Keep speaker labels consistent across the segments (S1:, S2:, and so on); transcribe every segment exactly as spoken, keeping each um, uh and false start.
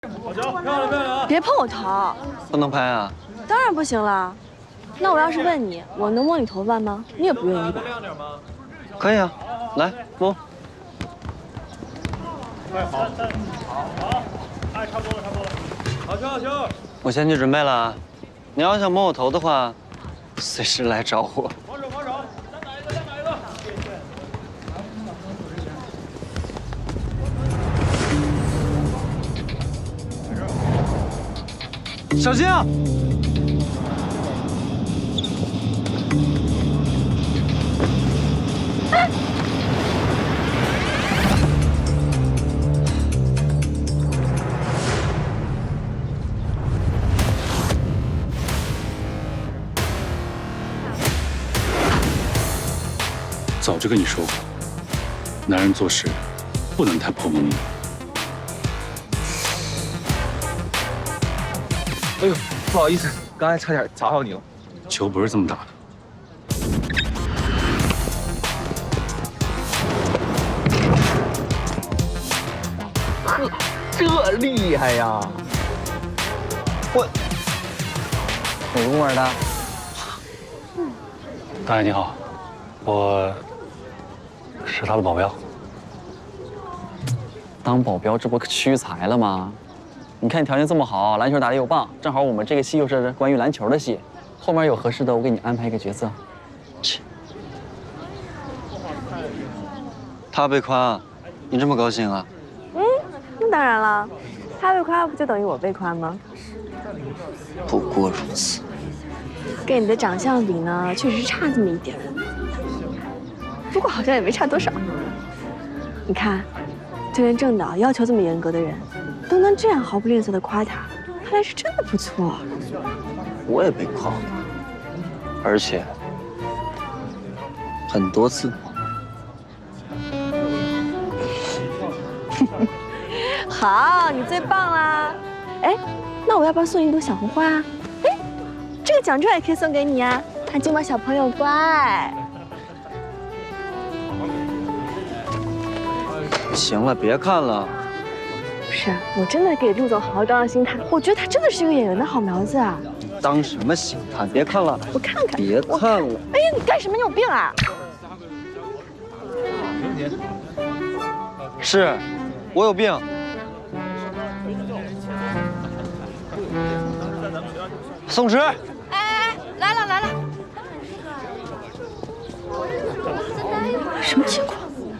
S1: 好球，漂亮漂亮啊！
S2: 别碰我头，
S3: 不能拍啊！
S2: 当然不行了。那我要是问你，我能摸你头发吗？你也不愿意吧？
S3: 可以啊，来摸。
S1: 哎，好，好，好，哎，差不多了，差不多了。好球，好球！
S3: 我先去准备了啊。你要想摸我头的话，随时来找我。
S1: 防守，防守，再打一个，再打一个。
S3: 小心啊！
S4: 早就跟你说过，男人做事不能太破门了。
S5: 哎呦，不好意思，刚才差点砸到你了。
S4: 球不是这么打的。
S5: 呵，这厉害呀！我
S3: 哪个部门的？
S4: 大爷你好，我是他的保镖。
S3: 当保镖这不屈才了吗？你看你条件这么好，篮球打得又棒，正好我们这个戏又是关于篮球的戏，后面有合适的，我给你安排一个角色。切。他被夸，你这么高兴啊？
S2: 嗯，那当然了，他被夸不就等于我被夸吗？
S3: 不过如此。
S2: 跟你的长相比呢，确实差这么一点，不过好像也没差多少。你看，就连郑导要求这么严格的人，都能这样毫不吝啬的夸他，看来是真的不错。
S3: 我也被夸，而且很多次。
S2: 好，你最棒啦！哎，那我要不要送你一朵小红花啊？哎，这个奖状也可以送给你啊，看金毛小朋友乖。
S3: 行了，别看了。
S2: 不是，我真的给陆总好好当当心态，我觉得他真的是一个演员的好苗子啊。
S3: 当什么心看？别看了，
S2: 我看看，
S3: 别看了。
S2: 哎呀，你干什么？你有病啊！
S3: 是，我有病。宋池，
S2: 哎哎哎，来了来了！什么情况？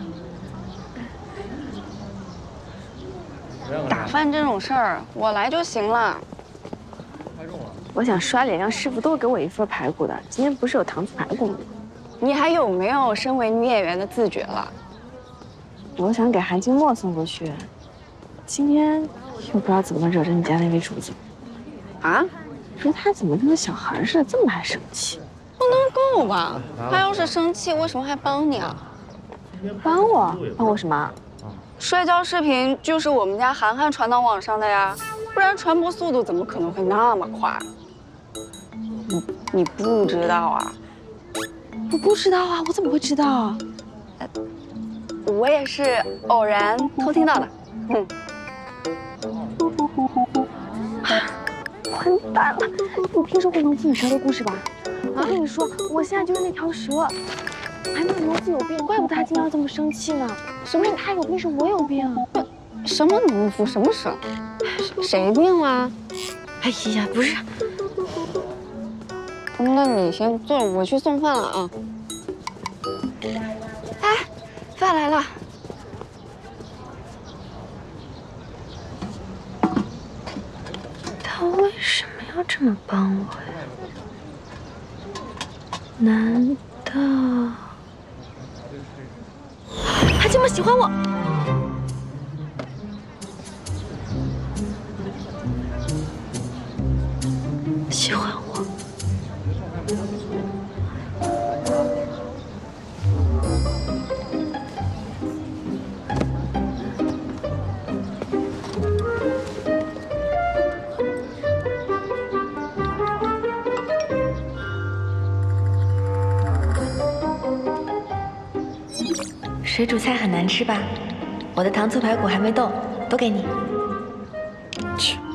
S6: 打饭这种事儿，我来就行了。
S2: 我想刷脸，让师傅多给我一份排骨的。今天不是有糖醋排骨吗？
S6: 你还有没有身为女演员的自觉了？
S2: 我想给韩静默送过去，今天又不知道怎么惹着你家那位主子。
S6: 啊？
S2: 说他怎么跟个小孩似的，这么爱生气？
S6: 不能够吧？他要是生气，为什么还帮你啊？
S2: 帮我？帮我什么？
S6: 摔跤视频就是我们家涵涵传到网上的呀，不然传播速度怎么可能会那么快？你你不知道啊？
S2: 我不知道啊，我怎么会知道？
S6: 呃，我也是偶然偷听到的。嗯。
S2: 完蛋了！你听说过农夫与蛇的故事吧？我跟你说，我现在就是那条蛇。哎，那农夫有病，怪不得他今天要这么生气呢。什么是他有病，是我有病。
S6: 什么农夫？什么蛇？谁病了？
S2: 哎呀，不是。
S6: 那你先坐，我去送饭了啊。哎，饭来了。
S2: 他为什么要这么帮我呀？难道他这么喜欢我？喜欢我？
S7: 水煮菜很难吃吧？我的糖醋排骨还没动，都给你。
S3: 切。